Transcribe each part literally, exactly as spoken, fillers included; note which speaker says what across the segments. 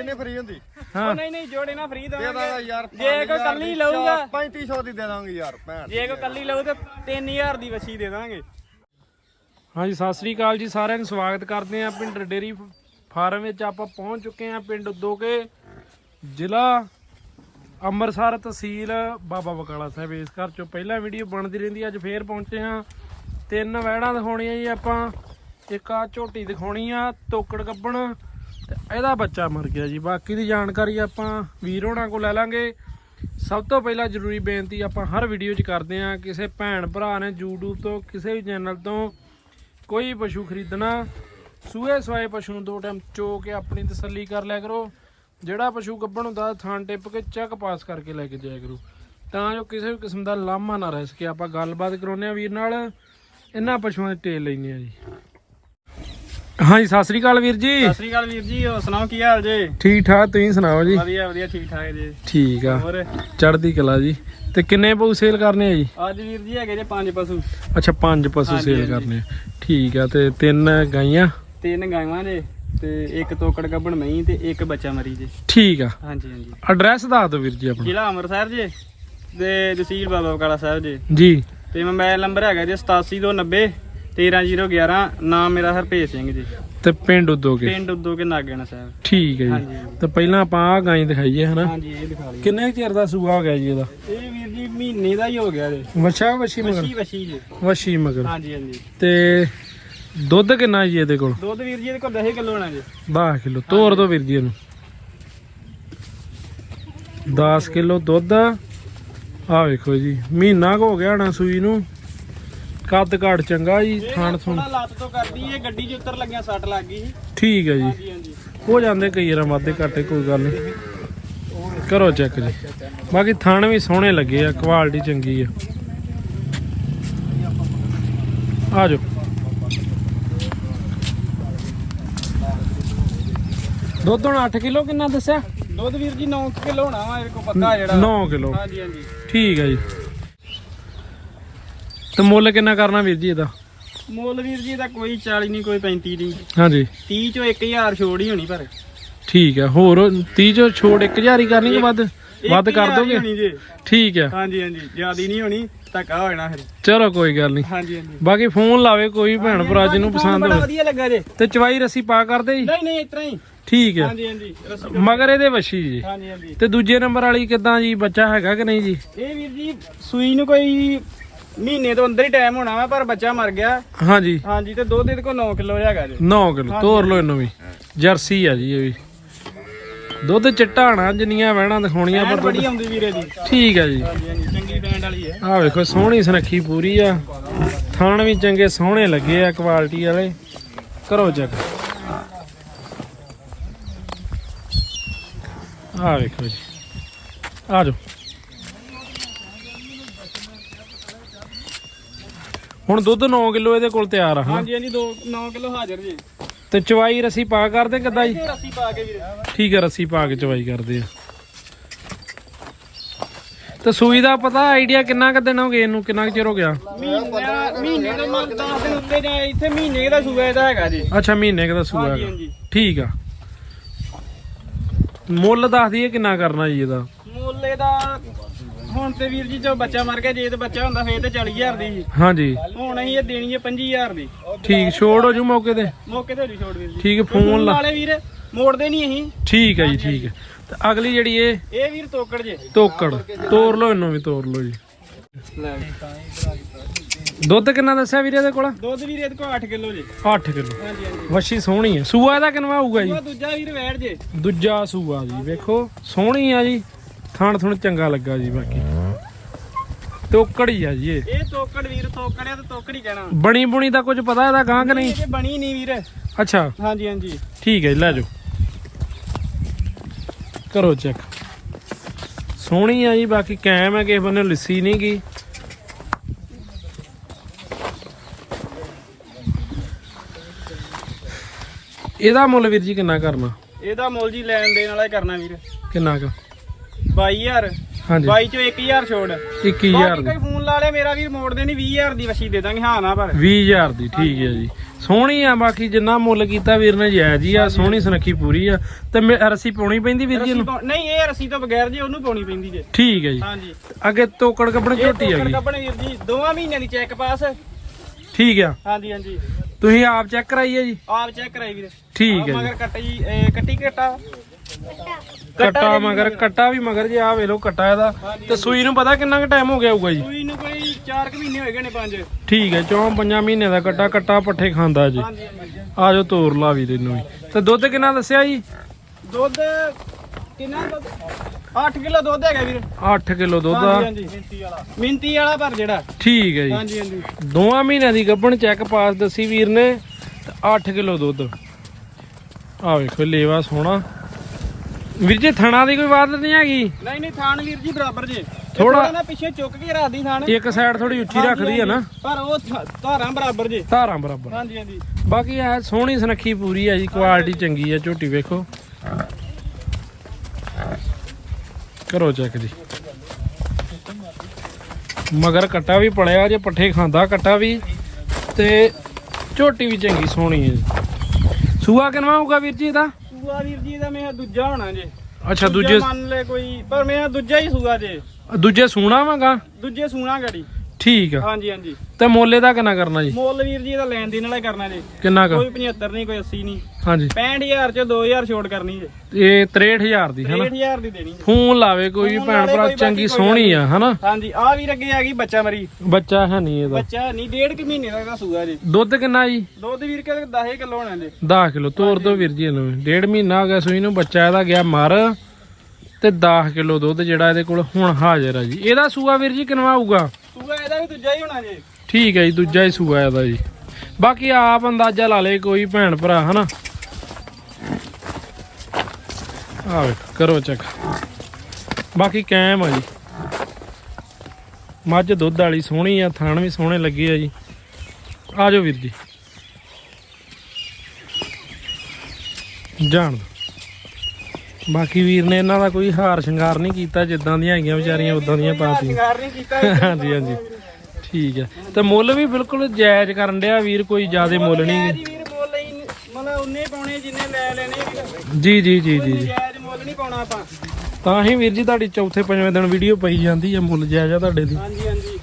Speaker 1: ਨਹੀਂ ਫਰੀ ਹੁੰਦੀ।
Speaker 2: ਉਹ ਨਹੀਂ ਨਹੀਂ ਜੋੜੇ ਨਾ ਫਰੀ ਦਵਾਂਗੇ
Speaker 1: ਯਾਰ,
Speaker 2: ਜੇ ਕੋਈ ਕੱਲੀ ਲਊਗਾ
Speaker 1: ਪੈਂਤੀ ਸੌ ਦੀ ਦੇ ਦਾਂਗੇ ਯਾਰ ਭੈਣ।
Speaker 2: ਜੇ ਕੋਈ ਕੱਲੀ ਲਊ ਤੇ ਤਿੰਨ ਹਜ਼ਾਰ ਦੀ ਵੱਛੀ ਦੇ ਦਾਂਗੇ।
Speaker 3: ਹਾਂਜੀ ਸਤਿ ਸ੍ਰੀ ਅਕਾਲ ਜੀ, ਸਾਰਿਆਂ ਨੂੰ ਸਵਾਗਤ ਕਰਦੇ ਆਂ ਪਿੰਡ ਡੇਰੀ ਫਾਰਮ ਵਿੱਚ। ਆਪਾਂ ਪਹੁੰਚ ਚੁੱਕੇ ਆਂ ਪਿੰਡ ਉਦੋਕੇ, ਜ਼ਿਲ੍ਹਾ ਅੰਮ੍ਰਿਤਸਰ, ਤਹਿਸੀਲ ਬਾਬਾ ਬਕਾਲਾ ਸਾਹਿਬ। ਇਸ ਘਰ ਚੋਂ ਪਹਿਲਾਂ ਵੀਡੀਓ ਬਣਦੀ ਰਹਿੰਦੀ, ਅੱਜ ਫੇਰ ਪਹੁੰਚੇ ਆਂ। ਤਿੰਨ ਵਹਿੜਾਂ ਦਿਖਾਉਣੀਆਂ ਜੀ ਆਪਾਂ। ਇੱਕ ਆ ਝੋਟੀ ਦਿਖਾਉਣੀ ਆ ਤੋਕੜ ਗੱਬਣ, ਤੇ ਇਹਦਾ ਬੱਚਾ ਮਰ ਗਿਆ ਜੀ। ਬਾਕੀ ਦੀ ਜਾਣਕਾਰੀ ਆਪਾਂ ਵੀਰ ਹੋਣਾ ਕੋਲ ਲੈ ਲਾਂਗੇ। ਸਭ ਤੋਂ ਪਹਿਲਾਂ ਜ਼ਰੂਰੀ ਬੇਨਤੀ ਆਪਾਂ ਹਰ ਵੀਡੀਓ 'ਚ ਕਰਦੇ ਆਂ, ਕਿਸੇ ਭੈਣ ਭਰਾ ਨੇ YouTube ਤੋਂ ਕਿਸੇ ਵੀ ਚੈਨਲ ਤੋਂ ਕੋਈ ਪਸ਼ੂ ਖਰੀਦਣਾ, ਸੂਏ ਸਵਾਏ ਪਸ਼ੂ ਨੂੰ ਦੋ ਟਾਈਮ ਚੋ ਕੇ ਆਪਣੀ ਤਸੱਲੀ ਕਰ ਲਿਆ ਕਰੋ। ਜਿਹੜਾ ਪਸ਼ੂ ਗੱਭਣ ਹੁੰਦਾ ਥਾਂ ਟਿੱਪ ਕੇ ਚੈੱਕ ਪਾਸ ਕਰਕੇ ਲੈ ਕੇ ਜਾਇਆ ਕਰੋ, ਤਾਂ ਜੋ ਕਿਸੇ ਵੀ ਕਿਸਮ ਦਾ ਲਾਮਾ ਨਾ ਰਹਿ ਸਕੇ। ਆਪਾਂ ਗੱਲਬਾਤ ਕਰਾਉਂਦੇ ਹਾਂ ਵੀਰ ਨਾਲ, ਇਹਨਾਂ ਪਸ਼ੂਆਂ ਦੀ ਟੇਲ ਲੈਂਦੇ ਹਾਂ ਜੀ। ਹਾਂਜੀ ਸਤਿ ਸ੍ਰੀ ਅਕਾਲ ਵੀਰ ਜੀ।
Speaker 2: ਸਤਿ ਸ੍ਰੀ ਅਕਾਲ ਵੀਰ ਜੀ, ਹੋਰ ਸੁਣਾਓ ਕੀ ਹਾਲ ਜੇ?
Speaker 3: ਠੀਕ ਠਾਕ, ਤੁਸੀਂ ਸੁਣਾਓ ਜੀ?
Speaker 2: ਵਧੀਆ ਵਧੀਆ, ਠੀਕ ਠਾਕ ਜੀ।
Speaker 3: ਠੀਕ ਆ,
Speaker 2: ਹੋਰ
Speaker 3: ਚੜ੍ਹਦੀ ਕਲਾ ਜੀ। ਤੇ ਕਿੰਨੇ ਪਸ਼ੂ ਸੇਲ ਕਰਨੇ ਆ ਜੀ
Speaker 2: ਅੱਜ ਵੀਰ ਜੀ? ਹੈਗੇ ਜੇ ਪੰਜ ਪਸ਼ੂ।
Speaker 3: ਅੱਛਾ, ਪੰਜ ਪਸ਼ੂ ਸੇਲ ਕਰਨੇ ਆ, ਠੀਕ ਆ। ਤੇ ਤਿੰਨ ਗਾਈਆਂ,
Speaker 2: ਤਿੰਨ ਗਾਵਾਂ ਜੇ, ਤੇ ਇੱਕ ਤੋਕੜ ਗੱਬਣ ਮਹੀਂ ਤੇ ਇੱਕ ਬੱਚਾ ਮਰੀ ਜੇ।
Speaker 3: ਠੀਕ ਆ।
Speaker 2: ਹਾਂਜੀ ਹਾਂਜੀ।
Speaker 3: ਐਡਰੈਸ ਦੱਸ ਦਿਓ ਵੀਰ ਜੀ ਆਪਣਾ।
Speaker 2: ਜ਼ਿਲ੍ਹਾ ਅੰਮ੍ਰਿਤਸਰ ਜੇ ਤੇ ਤਹਿਸੀਲ ਬਾਬਾ ਬਕਾਲਾ ਸਾਹਿਬ ਜੇ
Speaker 3: ਜੀ।
Speaker 2: ਤੇ ਮੋਬਾਈਲ ਨੰਬਰ ਹੈਗਾ ਜੀ ਸਤਾਸੀ ਦੋ ਨੱਬੇ ਤੇਰਾਂ ਜ਼ੀਰੋ ਗਿਆਰਾਂ। ਨਾਮ ਮੇਰਾ ਹਰਪੇਸ਼ ਸਿੰਘ ਜੀ,
Speaker 3: ਤੇ ਪਿੰਡ ਉਦੋਕੇ,
Speaker 2: ਪਿੰਡ ਉਦੋਕੇ ਨਾਗੇਣਾ ਸਾਹਿਬ।
Speaker 3: ਠੀਕ ਹੈ ਜੀ।
Speaker 2: ਹਾਂਜੀ
Speaker 3: ਤੇ ਪਹਿਲਾਂ ਆਪਾਂ ਆਹ ਗਾਈ ਦਿਖਾਈਏ ਹਨਾ।
Speaker 2: ਹਾਂਜੀ, ਇਹ ਦਿਖਾ ਲਈ।
Speaker 3: ਕਿੰਨੇ ਕੁ ਚਿਰ ਦਾ ਸੂਆ ਹੋ ਗਿਆ ਜੀ ਇਹਦਾ?
Speaker 2: ਇਹ ਵੀਰ ਜੀ ਮਹੀਨੇ ਦਾ ਹੀ ਹੋ ਗਿਆ ਜੀ।
Speaker 3: ਵੱਛਾ ਵੱਛੀ ਮਗਰ?
Speaker 2: ਵੱਛੀ ਵੱਛੀ ਜੀ।
Speaker 3: ਵੱਛੀ ਮਗਰ।
Speaker 2: ਹਾਂਜੀ ਹਾਂਜੀ।
Speaker 3: ਤੇ ਦੁੱਧ ਕਿੰਨਾ ਜੀ ਇਹਦੇ ਕੋਲ?
Speaker 2: ਦੁੱਧ ਵੀਰ ਜੀ ਇਹਦੇ ਕੋਲ ਦਸ ਕਿਲੋ ਹੋਣਾ ਜੀ।
Speaker 3: ਦਸ ਕਿਲੋ ਤੋਰ ਦੋ ਵੀਰ ਜੀ ਇਹਨੂੰ। ਦਸ ਕਿਲੋ ਦੁੱਧ ਆ ਵੇਖੋ ਜੀ। ਮਹੀਨਾ ਕੁ ਹੋ ਗਿਆ ਹੋਣਾ ਸੂਈ ਨੂੰ। ਕੱਦ ਕਾਠ ਚੰਗਾ ਜੀ, ਥਾਣ ਥੁਣ
Speaker 2: ਥੋੜਾ ਲੱਤ ਤੋਂ ਕਰਦੀ ਇਹ ਗੱਡੀ 'ਚ ਉੱਤਰ ਲੱਗਿਆ ਸੱਟ ਲੱਗ ਗਈ ਸੀ।
Speaker 3: ਠੀਕ ਹੈ ਜੀ।
Speaker 2: ਹਾਂਜੀ ਹਾਂਜੀ।
Speaker 3: ਹੋ ਜਾਂਦੇ ਕਈ ਵਾਰ ਵਾਧੇ ਘਾਟੇ, ਕੋਈ ਗੱਲ ਨਹੀਂ, ਕਰੋ ਚੈੱਕ ਜੀ। ਬਾਕੀ ਥਣ ਵੀ ਸੋਹਣੇ ਲੱਗੇ ਆ, ਕੁਆਲਿਟੀ ਚੰਗੀ ਆ। ਆ ਜਾਓ। ਦੁੱਧ ਹੁਣ ਅੱਠ ਕਿਲੋ ਕਿੰਨਾ ਦੱਸਿਆ?
Speaker 2: ਦੁੱਧ ਵੀਰ ਜੀ ਨੌ ਕਿਲੋ ਹੋਣਾ ਵਾ ਇਹਦੇ ਕੋਲ ਪੱਕਾ ਜਿਹੜਾ।
Speaker 3: ਨੌ ਕਿਲੋ।
Speaker 2: ਹਾਂਜੀ ਹਾਂਜੀ।
Speaker 3: ਠੀਕ ਹੈ ਜੀ। ਤੇ ਮੁੱਲ ਕਿੰਨਾ ਕਰਨਾ ਵੀਰ ਜੀ ਇਹਦਾ?
Speaker 2: ਮੁੱਲ ਵੀਰ ਜੀ ਦਾ ਕੋਈ ਚਾਲੀ ਨਹੀਂ, ਕੋਈ ਪੈਂਤੀ ਨਹੀਂ।
Speaker 3: ਹਾਂਜੀ।
Speaker 2: ਤੀਹ ਚੋਂ ਇੱਕ ਹਜ਼ਾਰ ਛੋੜ ਹੀ ਹੋਣੀ ਪਰ।
Speaker 3: ਠੀਕ ਹੈ। ਹੋਰ ਤੀਹ ਚੋਂ ਛੋੜ ਇੱਕ ਹਜ਼ਾਰ ਹੀ ਕਰਨੀ ਕਿ ਵੱਧ ਵੱਧ ਕਰ ਦੋਗੇ? ਠੀਕ ਹੈ।
Speaker 2: ਹਾਂਜੀ ਹਾਂਜੀ, ਜਿਆਦੀ ਨਹੀਂ ਹੋਣੀ, ਧੱਕਾ ਹੋ ਜਾਣਾ ਫਿਰ।
Speaker 3: ਚਲੋ ਕੋਈ ਗੱਲ ਨਹੀਂ।
Speaker 2: ਹਾਂਜੀ ਹਾਂਜੀ।
Speaker 3: ਬਾਕੀ ਫੋਨ ਲਾਵੇ ਕੋਈ ਭੈਣ ਭਰਾ ਜਿਹਨੂੰ ਪਸੰਦ
Speaker 2: ਬੜਾ
Speaker 3: ਹੋਵੇ।
Speaker 2: ਵਧੀਆ ਲੱਗਾ ਜੇ।
Speaker 3: ਤੇ ਚਵਾਈ ਰੱਸੀ ਪਾ ਕਰਦੇ ਜੀ?
Speaker 2: ਨਹੀਂ ਨਹੀਂ, ਇਤਰਾ ਹੀ।
Speaker 3: ਠੀਕ ਹੈ।
Speaker 2: ਹਾਂਜੀ ਹਾਂਜੀ। ਰੱਸੀ।
Speaker 3: ਮਗਰ ਇਹਦੇ ਵੱਛੀ ਜੀ।
Speaker 2: ਹਾਂਜੀ ਹਾਂਜੀ।
Speaker 3: ਤੇ ਦੂਜੇ ਨੰਬਰ ਵਾਲੀ ਕਿੱਦਾਂ ਜੀ, ਬੱਚਾ ਹੈਗਾ ਕਿ ਨਹੀਂ ਜੀ?
Speaker 2: ਇਹ ਵੀਰ ਜੀ ਸੂਈ ਨੂੰ ਕੋਈ ਮਹੀਨੇ ਤੋਂ ਅੰਦਰ ਹੀ ਟਾਈਮ ਹੋਣਾ ਵਾ, ਪਰ ਬੱਚਾ ਮਰ ਗਿਆ।
Speaker 3: ਹਾਂਜੀ
Speaker 2: ਹਾਂਜੀ। ਤੇ ਦੁੱਧ ਇਹਦੇ ਕੋਲ ਨੌ ਕਿਲੋ ਹੈਗਾ ਜੀ।
Speaker 3: ਨੌ ਕਿਲੋ ਤੋਰ ਲੋ ਇਹਨੂੰ ਵੀ। ਜਰਸੀ ਆ ਜੀ ਇਹ ਵੀ। ਦੁੱਧ ਚਿੱਟਾ ਹੋਣਾ, ਜਿੰਨੀਆਂ ਵਹਿਣਾ ਦਿਖਾਉਣੀਆਂ ਪਰ
Speaker 2: ਬੜੀ ਆਉਂਦੀ ਵੀਰੇ ਦੀ।
Speaker 3: ਠੀਕ ਹੈ ਜੀ।
Speaker 2: ਹਾਂਜੀ ਹਾਂਜੀ, ਚੰਗੀ ਬੈਂਡ ਵਾਲੀ ਹੈ।
Speaker 3: ਆਹ ਵੇਖੋ ਸੋਹਣੀ ਸੁਨੱਖੀ ਪੂਰੀ ਆ। ਥਣ ਵੀ ਚੰਗੇ ਸੋਹਣੇ ਲੱਗੇ ਆ, ਕੁਆਲਿਟੀ ਵਾਲੇ। ਕਰੋ ਚੈੱਕ। ਆਹ ਵੇਖੋ ਜੀ। ਆ ਜਾਓ। ਹੁਣ ਦੁੱਧ ਨੌ ਕਿਲੋ ਇਹਦੇ ਕੋਲ ਤਿਆਰ ਆ।
Speaker 2: ਹਾਂਜੀ ਹਾਂਜੀ, ਦੋ ਨੌ ਕਿਲੋ ਹਾਜ਼ਰ ਜੀ।
Speaker 3: ਤੇ ਚਵਾਈ ਰੱਸੀ ਪਾ ਕਰਦੇ ਕਿੱਦਾਂ ਜੀ?
Speaker 2: ਰੱਸੀ ਪਾ ਕੇ ਵੀਰੇ।
Speaker 3: ਠੀਕ ਹੈ, ਰੱਸੀ ਪਾ ਕੇ ਚਵਾਈ ਕਰਦੇ ਆ। ਤੇ ਸੂਈ ਦਾ ਪਤਾ ਆਈਡੀਆ ਕਿੰਨਾ ਕੁ ਦਿਨ ਹੋ ਗਏ ਇਹਨੂੰ, ਕਿੰਨਾ ਕੁ ਚਿਰ ਹੋ ਗਿਆ?
Speaker 2: ਮਹੀਨਾ ਮਹੀਨੇ ਦਾ ਮਨ ਦਸ ਦਿਨ ਉੱਤੇ ਜਾਂ ਇੱਥੇ ਮਹੀਨੇ ਦਾ ਸੂਆ ਇਹਦਾ ਹੈਗਾ ਜੀ।
Speaker 3: ਅੱਛਾ, ਮਹੀਨੇ ਕੁ ਦਾ ਸੂਆ
Speaker 2: ਹਾਂਜੀ
Speaker 3: ਹੈਗਾ।
Speaker 2: ਹਾਂਜੀ।
Speaker 3: ਠੀਕ ਆ। ਮੁੱਲ ਦੱਸ ਦਈਏ ਕਿੰਨਾ ਕਰਨਾ ਜੀ ਇਹਦਾ?
Speaker 2: ਮੁੱਲ ਇਹਦਾ ਹੁਣ ਤੇ ਵੀਰ ਜੀ ਜੋ ਬੱਚਾ ਮਰ ਗਿਆ, ਜੇ ਤੇ ਬੱਚਾ ਹੁੰਦਾ ਫੇਰ ਤੇ ਚਾਲੀ ਹਜ਼ਾਰ ਦੀ ਸੀ।
Speaker 3: ਹਾਂਜੀ।
Speaker 2: ਹੁਣ ਅਸੀਂ ਇਹ ਦੇਣੀ ਹੈ ਪੰਜੀ ਹਜ਼ਾਰ ਦੀ।
Speaker 3: ਠੀਕ, ਛੋੜ ਹੋ ਜੂ ਮੌਕੇ ਤੇ?
Speaker 2: ਮੌਕੇ ਤੇ ਹੋ ਜੂ ਛੋੜ ਵੀਰ ਜੀ।
Speaker 3: ਠੀਕ ਹੈ। ਫੋਨ ਲਾ
Speaker 2: ਵਾਲੇ ਵੀਰ ਮੋੜਦੇ ਨਹੀਂ ਅਸੀਂ।
Speaker 3: ਠੀਕ ਹੈ ਜੀ। ਠੀਕ ਹੈ। ਤੇ ਅਗਲੀ ਜਿਹੜੀ ਇਹ
Speaker 2: ਇਹ ਵੀਰ ਤੋਕੜ ਜੇ।
Speaker 3: ਤੋਕੜ ਤੋਰ ਲਓ, ਇਹਨੂੰ ਵੀ ਤੋਰ ਲਓ ਜੀ।
Speaker 2: ਲੈ
Speaker 3: ਦੁੱਧ ਕਿੰਨਾ ਦੱਸਿਆ ਵੀਰੇ ਇਹਦੇ ਕੋਲ?
Speaker 2: ਦੁੱਧ ਵੀਰ ਇਹਦੇ ਕੋਲ ਅੱਠ ਕਿਲੋ ਜੇ।
Speaker 3: ਅੱਠ ਕਿਲੋ।
Speaker 2: ਹਾਂਜੀ ਹਾਂਜੀ।
Speaker 3: ਵੱਛੀ ਸੋਹਣੀ ਹੈ। ਸੂਆ ਇਹਦਾ ਕਿੰਨਾ ਹੋਊਗਾ ਜੀ?
Speaker 2: ਉਹ ਦੂਜਾ ਵੀਰ ਵੈੜ ਜੇ।
Speaker 3: ਦੂਜਾ ਸੂਆ ਜੀ। ਵੇਖੋ ਸੋਹਣੀ ਆ ਜੀ, ਥਣ ਥਣ ਚੰਗਾ ਲੱਗਾ ਜੀ। ਬਾਕੀ ਤੋਕੜ ਹੀ ਆ ਜੀ ਇਹ।
Speaker 2: ਇਹ ਤੋਕੜ ਵੀਰ ਤੋਕੜ ਆ ਤੇ ਤੋਕੜ ਹੀ ਕਹਿਣਾ।
Speaker 3: ਬਣੀ ਬੁਣੀ ਦਾ ਕੁਝ ਪਤਾ ਇਹਦਾ ਗਾਂ ਕਿ ਨਹੀਂ?
Speaker 2: ਇਹ ਬਣੀ ਨਹੀਂ ਵੀਰ।
Speaker 3: ਅੱਛਾ।
Speaker 2: ਹਾਂਜੀ ਹਾਂਜੀ।
Speaker 3: ਠੀਕ ਹੈ, ਲੈ ਜਾਓ। ਕਰੋ ਚੈੱਕ। ਸੋਹਣੀ ਆ ਜੀ, ਬਾਕੀ ਕੈਮ ਹੈ, ਕਿਸੇ ਬੰਨੇ ਲਿੱਸੀ ਨਹੀਂ ਗਈ। ਇਹਦਾ ਮੁੱਲ ਵੀਰ ਜੀ ਕਿੰਨਾ ਕਰਨਾ?
Speaker 2: ਇਹਦਾ ਮੁੱਲ ਜੀ ਲੈਣ ਦੇਣ ਵਾਲਾ ਹੀ ਕਰਨਾ ਵੀਰ।
Speaker 3: ਕਿੰਨਾ ਕੁ?
Speaker 2: ਬਾਈ ਹਜ਼ਾਰ
Speaker 3: ਹਾਂਜੀ
Speaker 2: ਬਾਈ ਚੋਂ ਇੱਕ ਹਜ਼ਾਰ ਛੋੜ
Speaker 3: ਇੱਕੀ ਹਜ਼ਾਰ
Speaker 2: ਬਾਕੀ
Speaker 3: ਦੀ
Speaker 2: ਕੋਈ ਫੋਨ ਲਾ ਲੇ ਮੇਰਾ ਵੀਰ ਮੋੜ ਦੇਣੀ ਵੀਹ ਹਜ਼ਾਰ ਦੀ ਵਛੀ ਦੇ ਦਾਂਗੇ ਹਾਂ ਨਾ ਪਰ
Speaker 3: ਵੀਹ ਹਜ਼ਾਰ ਦੀ ਠੀਕ ਹੈ ਜੀ ਸੋਹਣੀ ਆ ਬਾਕੀ ਜਿੰਨਾ ਮੁੱਲ ਕੀਤਾ ਵੀਰ ਨੇ ਜਾਇਜ਼ ਹੀ ਆ ਸੋਹਣੀ ਸੁਨੱਖੀ ਪੂਰੀ ਆ ਤੇ ਮੈਂ- ਰੱਸੀ ਪਾਉਣੀ ਪੈਂਦੀ ਵੀਰ ਜੀ
Speaker 2: ਰੱਸੀ
Speaker 3: ਨੂੰ
Speaker 2: ਪਾਉ- ਨਹੀਂ ਇਹ ਰੱਸੀ ਤੋਂ ਬਗੈਰ ਜੀ ਉਹਨੂੰ ਪਾਉਣੀ ਪੈਂਦੀ ਜੇ
Speaker 3: ਠੀਕ ਹੈ ਜੀ
Speaker 2: ਹਾਂਜੀ
Speaker 3: ਅੱਗੇ ਤੋਕੜ ਕੱਪਣ
Speaker 2: ਇਹ
Speaker 3: ਝੋਟੀ ਆ
Speaker 2: ਟੋਕਰ
Speaker 3: ਗਈ
Speaker 2: ਕੱਪਣ ਵੀਰ ਜੀ ਦੋਵਾਂ ਮਹੀਨਿਆਂ ਦੀ ਚੈੱਕ ਪਾਸ
Speaker 3: ਠੀਕ ਆ
Speaker 2: ਹਾਂਜੀ ਹਾਂਜੀ
Speaker 3: ਤੁਸੀਂ ਆਪ ਚੈੱਕ ਕਰਾਈ ਹੈ ਜੀ
Speaker 2: ਆਪ ਚੈੱਕ ਕਰਾਈ ਵੀਰ
Speaker 3: ਠੀਕ ਹੈ
Speaker 2: ਮਗਰ ਕੱਟੀ ਇਹ ਕੱਟੀ ਕੱਟਾ
Speaker 3: ਕੱਟਾ ਮਗਰ ਕੱਟਾ ਵੀ ਮਗਰ ਜੀ ਆ ਵੇ ਲੋ ਕੱਟਾ ਇਹਦਾ ਤੇ ਸੂਈ ਨੂੰ ਪਤਾ ਕਿੰਨਾ ਕੁ ਟਾਈਮ ਹੋ ਗਿਆ ਹੋਊਗਾ ਜੀ
Speaker 2: ਸੂਈ ਨੂੰ ਕੋਈ ਚਾਰ ਕੁ ਮਹੀਨੇ ਹੋਏ ਗਏ ਨੇ ਪੰਜ
Speaker 3: ਠੀਕ ਹੈ ਚੌਂ ਪੰਜਾਂ ਮਹੀਨੇ ਦਾ ਕੱਟਾ ਕੱਟਾ ਪੱਠੇ ਖਾਂਦਾ ਜੀ
Speaker 2: ਹਾਂਜੀ ਹਾਂਜੀ
Speaker 3: ਆ ਜਾਓ ਤੋਰ ਲਾ ਵੀ ਤੈਨੂੰ ਵੀ ਤੇ ਦੁੱਧ ਕਿੰਨਾ ਦੱਸਿਆ ਜੀ
Speaker 2: ਦੁੱਧ ਕਿੰਨਾ ਦੁੱਧ ਅੱਠ ਕਿਲੋ ਦੁੱਧ ਹੈਗਾ ਵੀਰ
Speaker 3: ਅੱਠ ਕਿਲੋ ਦੁੱਧ ਆ
Speaker 2: ਹਾਂਜੀ ਮਿੰਤੀ ਵਾਲਾ ਮਿੰਤੀ ਵਾਲਾ ਪਰ ਜਿਹੜਾ
Speaker 3: ਠੀਕ ਹੈ ਜੀ
Speaker 2: ਹਾਂਜੀ ਹਾਂਜੀ
Speaker 3: ਦੋਵਾਂ ਮਹੀਨਿਆਂ ਦੀ ਗੱਭਣ ਚੈੱਕ ਪਾਸ ਦੱਸੀ ਵੀਰ ਨੇ ਤੇ ਅੱਠ ਕਿਲੋ ਦੁੱਧ ਆ ਵੇਖੋ ਲੇਵਾ ਸੋਹਣਾ ਵੀਰ ਜੀ ਥਣਾ ਦੀ ਕੋਈ ਬਾਤ ਨਹੀਂ ਹੈਗੀ
Speaker 2: ਨਹੀਂ ਨਹੀਂ ਥਾਣ ਵੀਰ ਜੀ ਬਰਾਬਰ ਜੇ
Speaker 3: ਥੋੜਾ
Speaker 2: ਨਾ ਪਿੱਛੇ ਚੁੱਕ ਕੇ ਰੱਖਦੀ ਥਾਣ
Speaker 3: ਇੱਕ ਸਾਈਡ ਥੋੜੀ ਉੱਚੀ ਰੱਖਦੀ ਆ ਨਾ
Speaker 2: ਪਰ ਉਹ ਥ- ਧਾਰਾਂ ਬਰਾਬਰ ਜੇ
Speaker 3: ਧਾਰਾਂ ਬਰਾਬਰ
Speaker 2: ਹਾਂਜੀ ਹਾਂਜੀ
Speaker 3: ਬਾਕੀ ਆ ਸੋਹਣੀ ਸੁਨੱਖੀ ਪੂਰੀ ਆ ਜੀ ਕੁਆਲਿਟੀ ਚੰਗੀ ਆ ਝੋਟੀ ਵੇਖੋ ਕਰੋ ਚੈੱਕ ਜੀ ਮਗਰ ਕੱਟਾ ਵੀ ਪੜਿਆ ਜੇ ਪੱਠੇ ਖਾਂਦਾ ਕੱਟਾ ਵੀ ਤੇ ਝੋਟੀ ਵੀ ਚੰਗੀ ਸੋਹਣੀ ਹੈ ਜੀ ਸੂਆ ਕਿੰਨਾ ਹੋਊਗਾ ਵੀਰ ਜੀ ਇਹਦਾ
Speaker 2: ਸੂਆ ਵੀਰ ਜੀ ਦਾ ਮੇਰਾ ਦੂਜਾ ਹੋਣਾ ਜੇ
Speaker 3: ਅੱਛਾ ਦੂਜੇ
Speaker 2: ਮੰਨ ਲੈ ਕੋਈ ਪਰ ਮੇਰਾ ਦੂਜਾ ਹੀ ਸੂਆ ਜੇ
Speaker 3: ਦੂਜੇ ਸੂਣਾ ਵਾਂਗਾ
Speaker 2: ਦੂਜੇ ਸੂਣਾ ਗੜੀ
Speaker 3: ਠੀਕ ਆ
Speaker 2: ਹਾਂਜੀ ਹਾਂਜੀ
Speaker 3: ਤੇ ਮੋਲੇ ਦਾ ਕਿੰਨਾ ਕਰਨਾ ਜੀ
Speaker 2: ਮੁੱਲ ਵੀਰ ਜੀ ਦਾ ਲੈਣ ਦੇਣ ਵਾਲਾ ਹੀ ਕਰਨਾ ਜੇ
Speaker 3: ਕਿੰਨਾ ਕੁ
Speaker 2: ਕੋਈ ਪਝੱਤਰ ਨਹੀਂ ਕੋਈ ਅੱਸੀ ਨਹੀਂ
Speaker 3: ਹਾਂਜੀ
Speaker 2: ਪੈਂਹਠ ਹਜ਼ਾਰ ਚ ਦੋ ਹਜ਼ਾਰ ਛੋਟ ਕਰਨੀ ਜੇ
Speaker 3: ਇਹ ਤਰੇਹਠ ਹਜ਼ਾਰ ਦੀ ਹਨਾ
Speaker 2: ਤਰੇਹਠ ਹਜ਼ਾਰ ਦੀ ਦੇਣੀ ਜੇ
Speaker 3: ਫੋਨ ਲਾਵੇ ਕੋਈ ਵੀ
Speaker 2: ਫੋਨ
Speaker 3: ਭੈਣ
Speaker 2: ਲਾਵੇ
Speaker 3: ਭਰਾ
Speaker 2: ਕੋਈ,
Speaker 3: ਚੰਗੀ
Speaker 2: ਬਾਕੀ ਕੋਈ
Speaker 3: ਸੋਹਣੀ ਆ ਹਨਾ
Speaker 2: ਹਾਂਜੀ ਆ ਵੀਰ ਅੱਗੇ ਆ ਗਈ ਬੱਚਾ ਮਰੀ
Speaker 3: ਬੱਚਾ ਹੈ ਨਹੀਂ ਇਹਦਾ
Speaker 2: ਬੱਚਾ ਨਹੀਂ ਡੇਢ ਕੁ ਮਹੀਨੇ ਦਾ ਇਹਦਾ ਸੂਆ ਜੇ
Speaker 3: ਦੁੱਧ ਕਿੰਨਾ ਜੀ
Speaker 2: ਦੁੱਧ ਵੀਰ ਕੇ ਦਸ ਕਿਲੋ ਹੋਣਾ ਜੇ
Speaker 3: ਦਸ ਕਿਲੋ ਤੋਰ ਦੋ ਵੀਰ ਜੀ ਇਹਨੂੰ ਡੇਢ ਮਹੀਨਾ ਹੋ ਗਿਆ ਸੂਈ ਨੂੰ ਬੱਚਾ ਇਹਦਾ ਗਿਆ ਮਰ ਤੇ ਦਸ ਕਿਲੋ ਦੁੱਧ ਜਿਹੜਾ ਇਹਦੇ ਕੋਲ ਹੁਣ ਹਾਜ਼ਰ ਆ ਜੀ ਇਹਦਾ ਸੂਆ ਵੀਰ ਜੀ ਕਿੰਨਾ ਆਊਗਾ
Speaker 2: ਸੂਆ ਇਹਦਾ ਵੀ ਦੂਜਾ ਹੀ ਹੋਣਾ ਜੇ
Speaker 3: ਠੀਕ ਹੈ ਜੀ ਦੂਜਾ ਹੀ ਸੂਆ ਇਹਦਾ ਜੀ ਬਾਕੀ ਆਪ ਅੰਦਾਜ਼ਾ ਲਾ ਲੇ ਕੋਈ ਭੈਣ ਭਰਾ ਹਨਾ ਆ ਵੇਖੋ ਕਰੋ ਚੈੱਕ ਬਾਕੀ ਕਾਇਮ ਆ ਜੀ ਮੱਝ ਦੁੱਧ ਵਾਲੀ ਸੋਹਣੀ ਆ ਥਣ ਵੀ ਸੋਹਣੇ ਲੱਗੇ ਆ ਜੀ ਆ ਜਾਓ ਵੀਰ ਜੀ ਜਾਣ ਦੋ ਬਾਕੀ ਵੀਰ ਨੇ ਇਹਨਾਂ ਦਾ ਕੋਈ ਹਾਰ ਸ਼ਿੰਗਾਰ ਨਹੀਂ ਕੀਤਾ ਜਿੱਦਾਂ ਦੀਆਂ ਹੈਗੀਆਂ ਵਿਚਾਰੀਆਂ ਉਦਾਂ ਦੀਆਂ ਪਾਤੀਆਂ
Speaker 2: ਸ਼ਿੰਗਾਰ ਨਹੀਂ ਕੀਤਾ
Speaker 3: ਹਾਂਜੀ ਹਾਂਜੀ ਠੀਕ ਹੈ ਤੇ ਮੁੱਲ ਵੀ ਬਿਲਕੁਲ ਜਾਇਜ਼ ਕਰਨ ਡਿਆ ਵੀਰ ਕੋਈ ਜ਼ਿਆਦੇ ਮੁੱਲ ਨਹੀਂ
Speaker 2: ਜੀ ਵੀਰ ਮੁੱਲ ਹੀ ਮਤਲਬ ਉਹਨੇ ਪਾਉਣੇ ਜਿੰਨੇ ਲੈ ਲੈਣੇ ਵੀਰ
Speaker 3: ਜੀ ਜੀ ਜੀ ਜੀ ਜੀ
Speaker 2: ਜਾਇਜ਼ ਮੁੱਲ ਨਹੀਂ ਪਾਉਣਾ ਆਪਾਂ
Speaker 3: ਤਾਂ ਹੀ ਵੀਰ ਜੀ ਤੁਹਾਡੀ ਚੌਥੇ ਪੰਜਵੇਂ ਦਿਨ ਵੀਡੀਓ ਪਈ ਜਾਂਦੀ ਹੈ ਮੁੱਲ ਜਾਇਜ਼ ਆ ਤੁਹਾਡੇ ਦੀ
Speaker 2: ਹਾਂਜੀ ਹਾਂਜੀ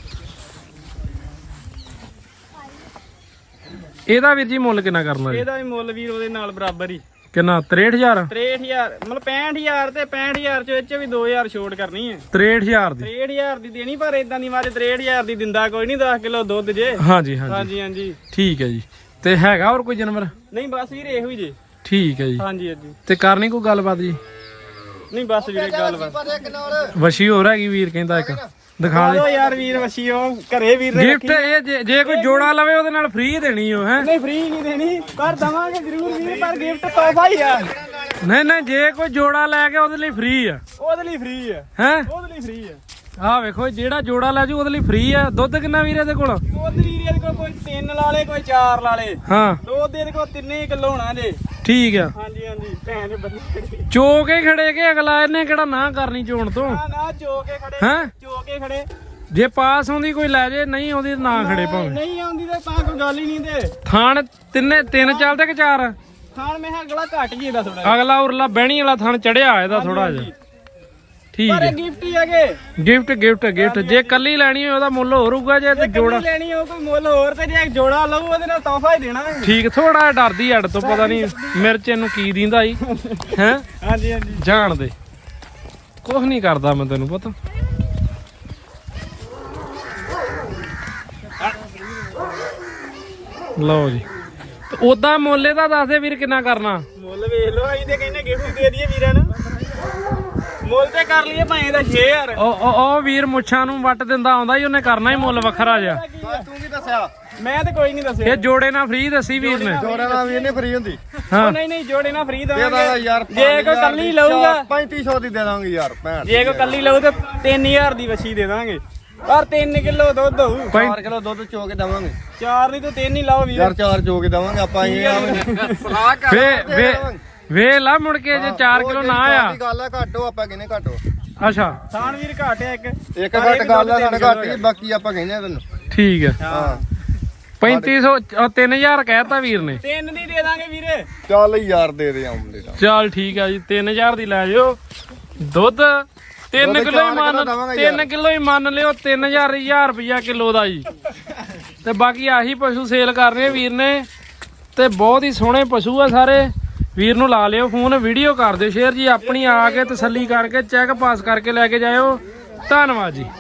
Speaker 3: ਇਹਦਾ ਵੀਰ ਜੀ ਮੁੱਲ ਕਿੰਨਾ ਕਰਨਾ ਜੀ
Speaker 2: ਇਹਦਾ ਵੀ ਮੁੱਲ ਵੀਰ ਉਹਦੇ ਨਾਲ ਬਰਾਬਰ ਹੀ
Speaker 3: ਕਿੰਨਾ ਤਰੇਹਠ ਹਜ਼ਾਰ
Speaker 2: ਤਰੇਹਠ ਹਜ਼ਾਰ ਮਤਲਬ ਪੈਂਹਠ ਹਜ਼ਾਰ ਤੇ ਪੈਂਹਠ ਹਜ਼ਾਰ ਚ ਵਿੱਚ ਵੀ ਦੋ ਹਜ਼ਾਰ ਛੋਟ ਕਰਨੀ ਹੈ
Speaker 3: ਤਰੇਹਠ ਹਜ਼ਾਰ ਦੀ
Speaker 2: ਤਰੇਹਠ ਹਜ਼ਾਰ ਦੀ ਦੇਣੀ ਪਰ ਇਦਾਂ ਦੀ ਮਾਰੇ ਤਰੇਹਠ ਹਜ਼ਾਰ ਦੀ ਦਿੰਦਾ ਕੋਈ ਨਹੀਂ ਦਸ ਕਿਲੋ ਦੁੱਧ ਜੇ
Speaker 3: ਹਾਂਜੀ ਹਾਂਜੀ
Speaker 2: ਹਾਂਜੀ ਹਾਂਜੀ
Speaker 3: ਠੀਕ ਹੈ ਜੀ ਤੇ ਹੈਗਾ ਹੋਰ ਕੋਈ ਜਾਨਵਰ
Speaker 2: ਨਹੀਂ ਬਸ ਵੀਰ ਇਹੋ ਹੀ ਜੇ
Speaker 3: ਠੀਕ ਹੈ ਜੀ
Speaker 2: ਹਾਂਜੀ ਹਾਂਜੀ
Speaker 3: ਤੇ ਕਰਨੀ ਕੋਈ ਗੱਲਬਾਤ ਜੀ
Speaker 2: ਨਹੀਂ ਬਸ ਵੀਰੇ ਗੱਲ ਬਸ
Speaker 3: ਵਸ਼ੀ ਹੋਰ ਹੈਗੀ ਵੀਰ ਕਹਿੰਦਾ ਇੱਕ ਦਿਖਾ ਦੇ
Speaker 2: ਆਓ ਯਾਰ ਵੀਰ ਵਸੀ ਉਹ ਘਰੇ ਵੀਰ ਨੇ
Speaker 3: ਗਿਫਟ ਇਹ ਜੇ- ਜੇ ਕੋਈ ਜੋੜਾ ਲਵੇ ਉਹਦੇ ਨਾਲ ਫ੍ਰੀ ਦੇਣੀ ਉਹ ਹੈ
Speaker 2: ਨਹੀਂ ਫ੍ਰੀ ਨਹੀਂ ਦੇਣੀ ਪਰ ਦਵਾਂਗੇ ਜ਼ਰੂਰ ਵੀਰ ਪਰ ਗਿਫਟ ਤੋਹਫਾ ਹੀ ਆ
Speaker 3: ਨਹੀਂ ਨਹੀਂ ਜੇ ਕੋਈ ਜੋੜਾ ਲੈ ਕੇ ਉਹਦੇ ਲਈ ਫ੍ਰੀ ਆ
Speaker 2: ਉਹਦੇ ਲਈ ਫ੍ਰੀ ਆ
Speaker 3: ਹੈ
Speaker 2: ਉਹਦੇ ਲਈ ਫ੍ਰੀ ਆ
Speaker 3: ਆਹ ਵੇਖੋ ਜਿਹੜਾ ਜੋੜਾ ਲੈ ਜੂ ਉਹਦੇ ਲਈ ਫ੍ਰੀ ਆ ਦੁੱਧ ਕਿੰਨਾ ਵੀਰ ਇਹਦੇ ਕੋਲ
Speaker 2: ਉਹਦੇ ਲਈ ਇਹਦੇ ਕੋਲ ਕੋਈ ਤਿੰਨ ਲਾਲੇ ਕੋਈ ਚਾਰ ਲਾਲੇ
Speaker 3: ਹਾਂ
Speaker 2: ਦੁੱਧ ਇਹਦੇ ਕੋਲ ਤਿੰਨੇ ਕਿਲੋ ਹੋਣਾ ਜੇ
Speaker 3: ਠੀਕ ਆ
Speaker 2: ਹਾਂਜੀ ਹਾਂਜੀ ਭੈਣ ਦੇ ਬੰਦੇ
Speaker 3: ਚੋ ਕੇ ਖੜੇ ਕੇ ਅਗਲਾ ਇਹਨੇ ਕਿਹੜਾ ਨਾ ਕਰਨੀ ਚੋਣ ਤੋਂ
Speaker 2: ਨਾ ਨਾ ਚੋ ਕੇ ਖੜੇ
Speaker 3: ਹੈਂ?
Speaker 2: ਚੋ ਕੇ ਖੜੇ
Speaker 3: ਜੇ ਪਾਸ ਆਉਂਦੀ ਕੋਈ ਲੈ ਜੇ ਨਹੀਂ ਆਉਂਦੀ ਤਾਂ ਨਾ ਖੜੇ ਭਾਵੇਂ
Speaker 2: ਨਹੀਂ ਆਉਂਦੀ ਤੇ ਤਾਂ ਕੋਈ ਗੱਲ ਹੀ ਨਹੀਂ ਤੇ
Speaker 3: ਥਾਣ ਤਿੰਨੇ ਤਿੰਨ ਚੱਲਦੇ ਕਿ ਚਾਰ
Speaker 2: ਖਾਣ ਮੈਂ ਕਿਹਾ ਅਗਲਾ ਘੱਟ ਜੀ ਇਹਦਾ ਥੋੜਾ
Speaker 3: ਅਗਲਾ ਉਰਲਾ ਬਹਿਣੀ ਵਾਲਾ ਥਾਣ ਚੜਿਆ ਇਹਦਾ ਥੋੜਾ ਜਿਹਾ ਠੀਕ
Speaker 2: ਪਰ
Speaker 3: ਹੈ
Speaker 2: ਇਹ ਗਿਫਟ ਹੀ ਹੈਗੇ
Speaker 3: ਗਿਫਟ ਗਿਫਟ ਗਿਫਟ ਜੇ ਕੱਲੀ ਲੈਣੀ ਹੋਵੇ ਉਹਦਾ ਮੁੱਲ ਹੋਰ ਹੋਊਗਾ ਜੇ ਤੇ ਜੋੜਾ
Speaker 2: ਜੋੜਾ ਲੈਣੀ ਹੋ ਕੋਈ ਮੁੱਲ ਹੋਰ ਤੇ ਜੇ ਜੋੜਾ ਲਊ ਉਹਦੇ ਨਾਲ ਤੋਹਫਾ ਹੀ ਦੇਣਾ ਹੈ।
Speaker 3: ਠੀਕ ਥੋੜਾ ਜਿਹਾ ਡਰਦੀ ਅੱਡ ਤੋਂ ਪਤਾ ਨਹੀਂ ਮਿਰਚ ਇਹਨੂੰ ਕੀ ਦਿੰਦਾ ਜੀ ਹੈ
Speaker 2: ਹਾਂਜੀ ਹਾਂਜੀ
Speaker 3: ਜਾਣ ਦੇ ਕੁਝ ਨਹੀਂ ਕਰਦਾ ਮੈਂ ਤੈਨੂੰ ਪਤਾ ਲਓ ਜੀ ਉਦਾਂ ਮੁੱਲੇ ਦਾ ਦੱਸ ਦੇ ਵੀਰ ਕਿੰਨਾ ਕਰਨਾ
Speaker 2: ਮੁੱਲ ਵੇਖ ਲਓ ਅਸੀਂ ਤੇ ਕਹਿੰਦੇ ਗਿਫਟ ਦੇ ਦਈਏ ਵੀਰਾਂ ਨੂੰ ਮੁੱਲ ਤੇ ਕਰ ਲਈਏ ਭਾਵੇਂ ਦਾ ਛੇ ਹਜ਼ਾਰ
Speaker 3: ਉਹ ਉਹ ਉਹ ਵੀਰ ਮੁੱਛਾਂ ਨੂੰ ਵੱਟ ਦਿੰਦਾ ਆਉਂਦਾ ਹੀ ਉਹਨੇ ਕਰਨਾ ਹੀ ਮੁੱਲ ਵੱਖਰਾ ਜਿਹਾ
Speaker 1: ਤੂੰ ਕੀ ਦੱਸਿਆ
Speaker 2: ਮੈਂ ਤੇ ਕੋਈ ਨਹੀਂ ਦੱਸਿਆ
Speaker 3: ਇਹ ਜੋੜੇ ਨਾਲ ਫ੍ਰੀ ਦੱਸੀ ਵੀਰ ਨੇ
Speaker 1: ਜੋੜੇ ਨਾਲ ਵੀ ਇਹਨੇ ਫਰੀ ਹੁੰਦੀ
Speaker 3: ਹਾਂ
Speaker 2: ਨਹੀਂ ਨਹੀਂ ਜੋੜੇ ਨਾਲ ਫ੍ਰੀ
Speaker 1: ਦੇ ਦਾਂਗਾ
Speaker 2: ਦਵਾਂਗੇ
Speaker 1: ਯਾਰ
Speaker 2: ਜੇ ਕੋਈ ਕੱਲੀ ਲਊਗਾ
Speaker 1: ਪੈਂਤੀ ਸੌ ਦੀ ਦੇ ਦਾਂਗੇ ਯਾਰ ਭੈਣ
Speaker 2: ਜੇ ਕੋਈ ਕੱਲੀ ਲਊ ਤੇ ਤਿੰਨ ਹਜ਼ਾਰ ਦੀ ਵਛੀ ਦੇ ਦਾਂਗੇ ਪਰ ਤਿੰਨ ਕਿਲੋ ਦੁੱਧ ਹੋਊ
Speaker 1: ਚਾਰ ਕਿਲੋ ਦੁੱਧ ਚੋ ਕੇ ਦਵਾਂਗੇ
Speaker 2: ਚਾਰ ਨਹੀਂ ਤੂੰ ਤਿੰਨ ਹੀ ਲਾਓ ਵੀਰ
Speaker 1: ਯਾਰ ਚਾਰ ਚੋ ਕੇ ਦਵਾਂਗੇ ਆਪਾਂ ਇਹ ਸਲਾਹ ਕਰ
Speaker 3: ਵੇ ਵੇ ਵੇ ਲਾ ਮੁੜ ਕੇ ਜੇ ਚਾਰ ਕਿਲੋ ਨਾ ਆ
Speaker 1: ਗੱਲ ਆ ਘੱਟੋ ਆਪਾਂ ਕਿਨੇ ਘੱਟੋ
Speaker 3: ਅੱਛਾ
Speaker 2: ਥਾਣ ਵੀਰ ਘਾਟ ਆ ਇੱਕ
Speaker 1: ਇੱਕ ਘੱਟ ਗੱਲ ਆ ਸਾਡੇ ਘੱਟ ਹੀ ਬਾਕੀ ਆਪਾਂ ਕਹਿੰਦੇ ਆ ਤੈਨੂੰ
Speaker 3: ਠੀਕ ਹੈ
Speaker 2: ਹਾਂ
Speaker 3: ਪੈਂਤੀ ਸੌ ਤਿੰਨ ਹਜ਼ਾਰ ਕਹਿਤਾ ਵੀਰ ਨੇ
Speaker 2: ਤਿੰਨ ਦੀ ਦੇ ਦਾਂਗੇ ਵੀਰੇ
Speaker 1: ਚੱਲ ਯਾਰ ਦੇ ਦੇ ਆਉਂਦੇ ਤਾਂ
Speaker 3: ਚੱਲ ਠੀਕ ਆ ਜੀ ਤਿੰਨ ਹਜ਼ਾਰ ਦੀ ਲੈ ਜਾਓ ਦੁੱਧ ਤਿੰਨ
Speaker 1: ਦੁੱਧ
Speaker 3: ਕਿਲੋ ਹੀ
Speaker 1: ਚਾਰ ਕਿੱਲੋ
Speaker 3: ਮੰਨ
Speaker 1: ਦੇਵਾਂਗੇ
Speaker 3: ਤਿੰਨ
Speaker 1: ਯਾਰ।
Speaker 3: ਕਿਲੋ ਹੀ ਮੰਨ ਲਿਓ ਤਿੰਨ ਹਜ਼ਾਰ ਹਜ਼ਾਰ ਰੁਪਇਆ ਕਿਲੋ ਦਾ ਜੀ ਤੇ ਬਾਕੀ ਆਹੀ ਪਸ਼ੂ ਸੇਲ ਕਰ ਰਹੇ ਵੀਰ ਨੇ ਤੇ ਬਹੁਤ ਹੀ ਸੋਹਣੇ ਪਸ਼ੂ ਆ ਸਾਰੇ ਵੀਰ ਨੂੰ ਲਾ ਲਿਓ ਫੋਨ ਵੀਡੀਓ ਕਰ ਦਿਓ ਸ਼ੇਅਰ ਜੀ ਆਪਣੀ ਆ ਕੇ ਤਸੱਲੀ ਕਰਕੇ ਚੈੱਕ ਪਾਸ ਕਰਕੇ ਲੈ ਕੇ ਜਾਇਓ ਧੰਨਵਾਦ ਜੀ।